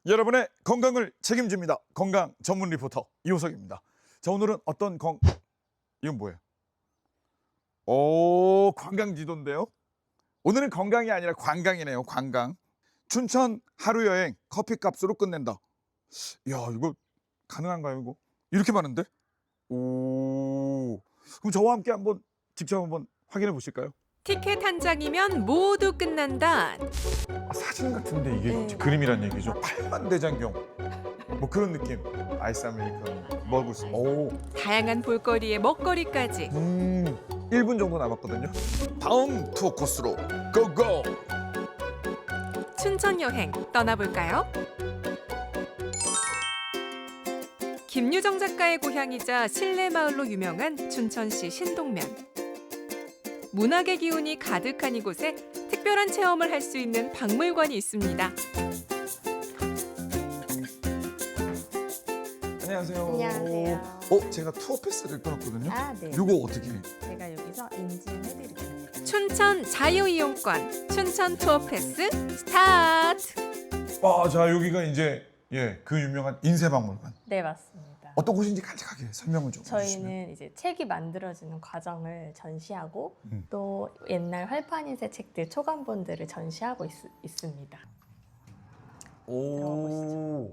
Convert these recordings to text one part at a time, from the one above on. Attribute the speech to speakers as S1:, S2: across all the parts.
S1: 여러분의 건강을 책임집니다. 건강 전문 리포터 이호석입니다. 자, 오늘은 어떤 이건 뭐예요? 오, 관광지도인데요. 오늘은 건강이 아니라 관광이네요. 관광. 춘천 하루 여행 커피값으로 끝낸다. 야, 이거 가능한가요? 이거 이렇게 많은데? 오, 그럼 저와 함께 직접 한번 확인해 보실까요?
S2: 티켓 한 장이면 모두 끝난다.
S1: 사진 같은데 이게
S2: 네.
S1: 그림이란 얘기죠. 8만 대장경 뭐 그런 느낌. 아이스 아메리카노 먹을 수. 오.
S2: 다양한 볼거리에 먹거리까지.
S1: 1분 정도 남았거든요. 다음 투어 코스로 고고.
S2: 춘천 여행 떠나볼까요? 김유정 작가의 고향이자 실내 마을로 유명한 춘천시 신동면. 문학의 기운이 가득한 이곳에 특별한 체험을 할 수 있는 박물관이 있습니다.
S1: 안녕하세요.
S3: 안녕하세요.
S1: 제가 투어 패스를 끊었거든요.
S3: 아, 네.
S1: 요거 어떻게?
S3: 제가 여기서 인증해드릴게요.
S2: 춘천 자유이용권, 춘천 투어 패스 스타트!
S1: 자, 여기가 이제 그 유명한 인쇄박물관.
S3: 네, 맞습니다.
S1: 어떤 곳인지 간략하게 설명을 좀 해주시면.
S3: 저희는 이제 책이 만들어지는 과정을 전시하고 또 옛날 활판 인쇄 책들 초간본들을 전시하고 있습니다.
S1: 오.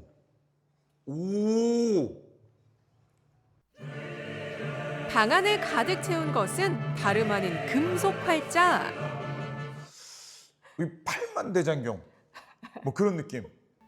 S1: 오.
S2: 방 안을 가득 채운 것은 다름 아닌 금속 활자.
S1: 이 8만 대장경 뭐 그런 느낌.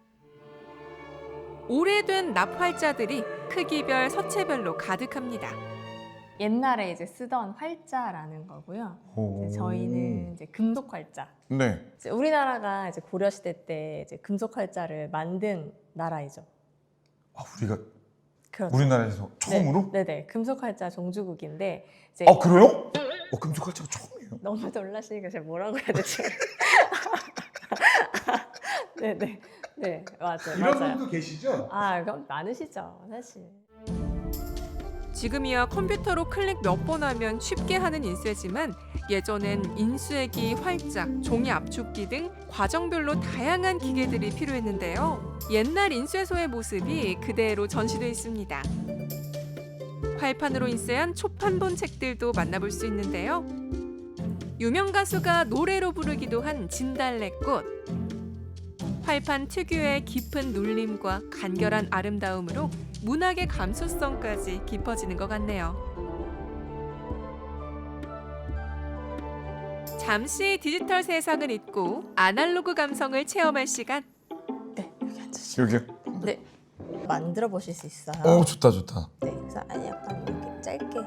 S2: 오래된 납활자들이 크기별, 서체별로 가득합니다.
S3: 옛날에 이제 쓰던 활자라는 거고요. 이제 저희는 이제 금속 활자.
S1: 네.
S3: 이제 우리나라가 이제 고려 시대 때 이제 금속 활자를 만든 나라이죠.
S1: 우리가
S3: 그렇죠.
S1: 우리나라에서 처음으로?
S3: 네네. 금속 활자 종주국인데 이제
S1: 그래요? 금속활자가 처음이에요.
S3: 너무 놀라시니까 제가 뭐라고 해야 되지? 네네. 네, 맞아요.
S1: 이런
S3: 맞아요.
S1: 분도 계시죠?
S3: 그럼 많으시죠, 사실.
S2: 지금이야 컴퓨터로 클릭 몇 번 하면 쉽게 하는 인쇄지만 예전엔 인쇄기, 활자, 종이 압축기 등 과정별로 다양한 기계들이 필요했는데요. 옛날 인쇄소의 모습이 그대로 전시돼 있습니다. 활판으로 인쇄한 초판본 책들도 만나볼 수 있는데요. 유명 가수가 노래로 부르기도 한 진달래꽃. 활판 특유의 깊은 눌림과 간결한 아름다움으로 문학의 감수성까지 깊어지는 것 같네요. 잠시 디지털 세상을 잊고 아날로그 감성을 체험할 시간.
S3: 네, 여기 앉으시죠.
S1: 여기요?
S3: 네. 만들어 보실 수 있어요.
S1: 좋다 좋다.
S3: 네, 그래서 약간 이렇게 짧게.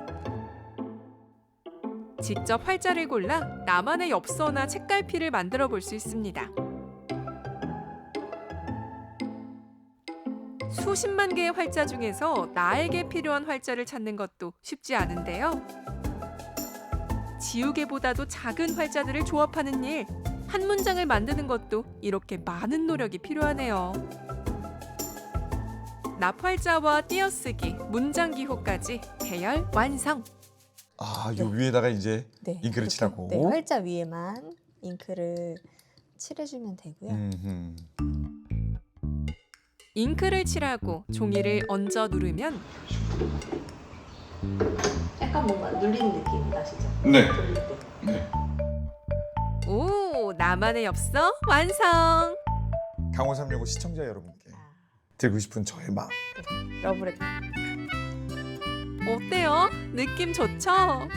S2: 직접 활자를 골라 나만의 엽서나 책갈피를 만들어 볼 수 있습니다. 수십만 개의 활자 중에서 나에게 필요한 활자를 찾는 것도 쉽지 않은데요. 지우개보다도 작은 활자들을 조합하는 일, 한 문장을 만드는 것도 이렇게 많은 노력이 필요하네요. 납활자와 띄어쓰기, 문장 기호까지 대열 완성!
S1: 요 위에다가 이제
S3: 네,
S1: 잉크를
S3: 이렇게,
S1: 칠하고.
S3: 네, 활자 위에만 잉크를 칠해주면 되고요.
S2: 잉크를 칠하고 종이를 얹어 누르면
S3: 약간 뭔가 눌리는 느낌 나시죠?
S1: 네.
S3: 돌릴 때.
S1: 네.
S2: 오, 나만의 엽서 완성!
S1: 강원 365 시청자 여러분께 드리고 싶은 저의 마음.
S3: 러브레터.
S2: 어때요? 느낌 좋죠?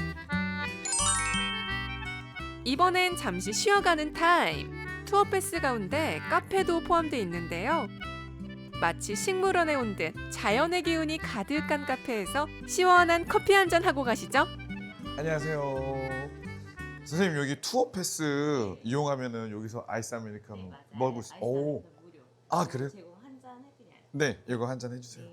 S2: 이번엔 잠시 쉬어가는 타임. 투어 패스 가운데 카페도 포함되어 있는데요. 마치 식물원에 온 듯 자연의 기운이 가득한 카페에서 시원한 커피 한잔 하고 가시죠.
S1: 안녕하세요. 선생님, 여기 투어 패스 이용하면은 여기서 아이스 아메리카노 먹을 수. 그래요? 네, 이거 한 잔 해주세요.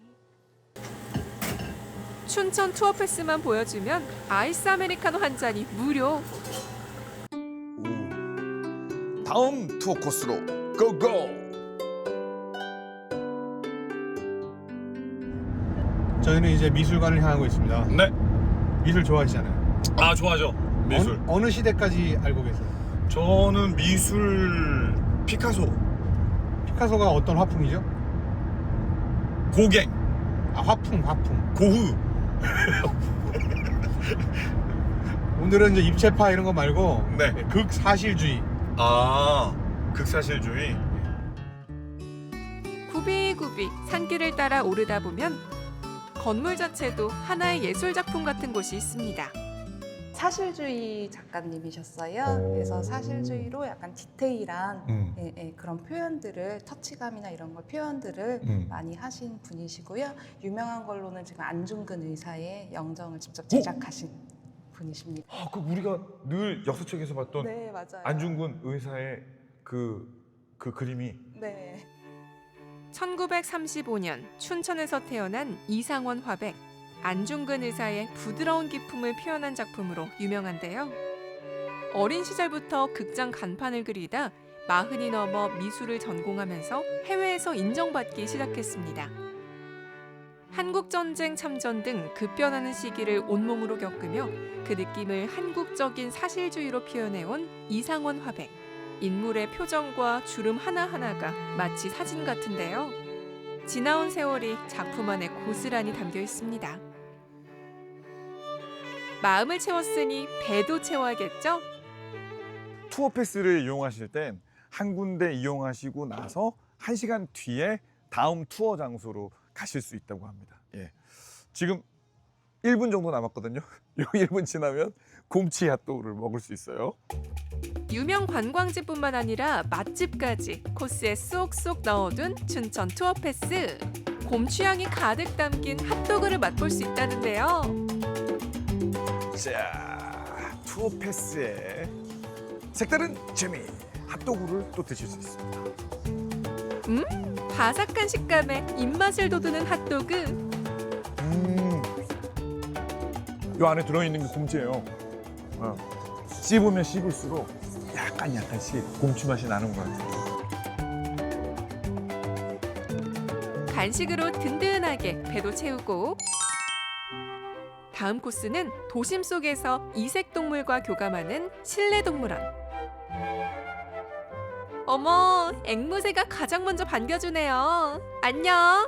S2: 춘천 투어 패스만 보여주면 아이스 아메리카노 한 잔이 무료.
S1: 다음 투어 코스로 고고.
S4: 저희는 이제 미술관을 향하고 있습니다.
S1: 네.
S4: 미술 좋아하시잖아요.
S1: 좋아하죠. 미술.
S4: 어느 시대까지 알고 계세요?
S1: 저는 미술 피카소.
S4: 파카소가 어떤 화풍이죠?
S1: 고갱,
S4: 아, 화풍.
S1: 고흐.
S4: 오늘은 이제 입체파 이런 거 말고
S1: 네.
S4: 극사실주의.
S1: 아, 극사실주의.
S2: 굽이굽이 산길을 따라 오르다 보면 건물 자체도 하나의 예술 작품 같은 곳이 있습니다.
S5: 사실주의 작가님이셨어요. 그래서 사실주의로 약간 디테일한 그런 표현들을, 터치감이나 이런 걸 표현들을 많이 하신 분이시고요. 유명한 걸로는 지금 안중근 의사의 영정을 직접 제작하신 분이십니다.
S1: 아, 그 우리가 늘 역사책에서 봤던
S5: 네, 맞아요.
S1: 안중근 의사의 그 그림이.
S5: 네.
S2: 1935년 춘천에서 태어난 이상원 화백. 안중근 의사의 부드러운 기품을 표현한 작품으로 유명한데요. 어린 시절부터 극장 간판을 그리다 40이 넘어 미술을 전공하면서 해외에서 인정받기 시작했습니다. 한국전쟁 참전 등 급변하는 시기를 온몸으로 겪으며 그 느낌을 한국적인 사실주의로 표현해온 이상원 화백. 인물의 표정과 주름 하나하나가 마치 사진 같은데요. 지나온 세월이 작품 안에 고스란히 담겨 있습니다. 마음을 채웠으니 배도 채워야겠죠?
S1: 투어 패스를 이용하실 땐 한 군데 이용하시고 나서 1시간 뒤에 다음 투어 장소로 가실 수 있다고 합니다. 예. 지금 1분 정도 남았거든요. 요 1분 지나면 곰치 핫도그를 먹을 수 있어요.
S2: 유명 관광지뿐만 아니라 맛집까지 코스에 쏙쏙 넣어둔 춘천 투어 패스. 곰 취향이 가득 담긴 핫도그를 맛볼 수 있다는데요.
S1: 자, 투어 패스에 색다른 재미 핫도그를 또 드실 수 있습니다.
S2: 바삭한 식감에 입맛을 돋우는 핫도그.
S1: 요 안에 들어있는 게 곰치예요. 씹으면 씹을수록 약간씩 곰치 맛이 나는 것 같아요.
S2: 간식으로 든든하게 배도 채우고 다음 코스는 도심 속에서 이색 동물과 교감하는 실내 동물원. 어머, 앵무새가 가장 먼저 반겨주네요. 안녕.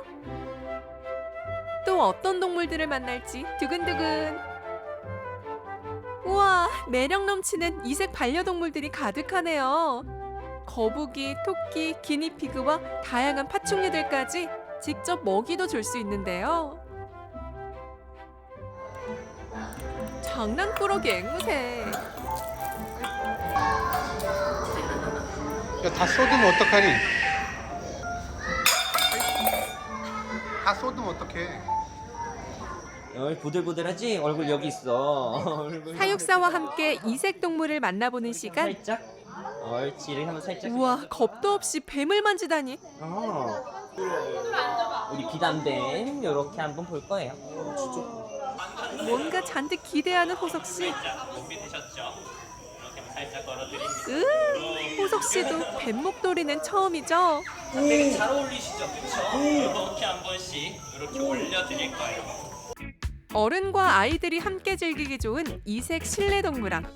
S2: 또 어떤 동물들을 만날지 두근두근. 우와, 매력 넘치는 이색 반려동물들이 가득하네요. 거북이, 토끼, 기니피그와 다양한 파충류들까지 직접 먹이도 줄 수 있는데요. 장난꾸러기 앵무새.
S4: 야, 다 쏟으면 어떡하니? 다 쏟으면 어떡해?
S6: 보들보들하지? 얼굴 여기 있어. 얼굴
S2: 사육사와 함께 이색 동물을 만나보는 시간.
S6: 살짝. 옳지. 이렇게 한번 살짝.
S2: 우와, 겁도 없이 뱀을 만지다니.
S6: 우리 비담뱀 이렇게 한번 볼 거예요.
S2: 뭔가 잔뜩 기대하는 호석 씨. 호석 씨도 뱀 목도리는 처음이죠.
S7: 되게 잘 어울리시죠, 그렇죠? 이렇게 한 번씩 이렇게 올려드릴 거예요.
S2: 어른과 아이들이 함께 즐기기 좋은 이색 실내 동물원.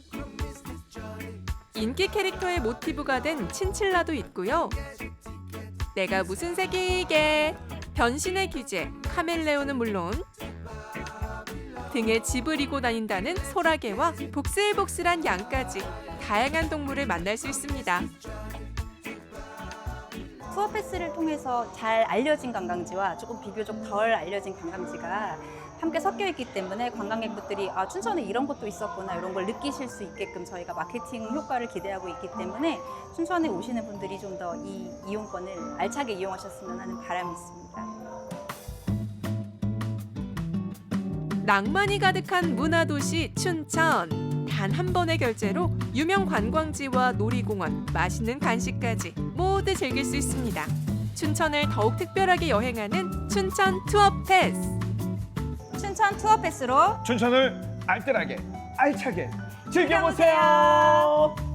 S2: 인기 캐릭터의 모티브가 된 친칠라도 있고요. 내가 무슨 색이게 변신의 귀재 카멜레온은 물론 등에 집을 이고 다닌다는 소라게와 복슬복슬한 양까지 다양한 동물을 만날 수 있습니다.
S8: 투어 패스를 통해서 잘 알려진 관광지와 조금 비교적 덜 알려진 관광지가 함께 섞여 있기 때문에 관광객분들이 아, 춘천에 이런 곳도 있었구나 이런 걸 느끼실 수 있게끔 저희가 마케팅 효과를 기대하고 있기 때문에 춘천에 오시는 분들이 좀 더 이 이용권을 알차게 이용하셨으면 하는 바람이 있습니다.
S2: 낭만이 가득한 문화도시 춘천. 단 한 번의 결제로 유명 관광지와 놀이공원, 맛있는 간식까지 모두 즐길 수 있습니다. 춘천을 더욱 특별하게 여행하는 춘천 투어 패스.
S8: 춘천 투어 패스로
S1: 춘천을 알뜰하게 알차게 즐겨보세요.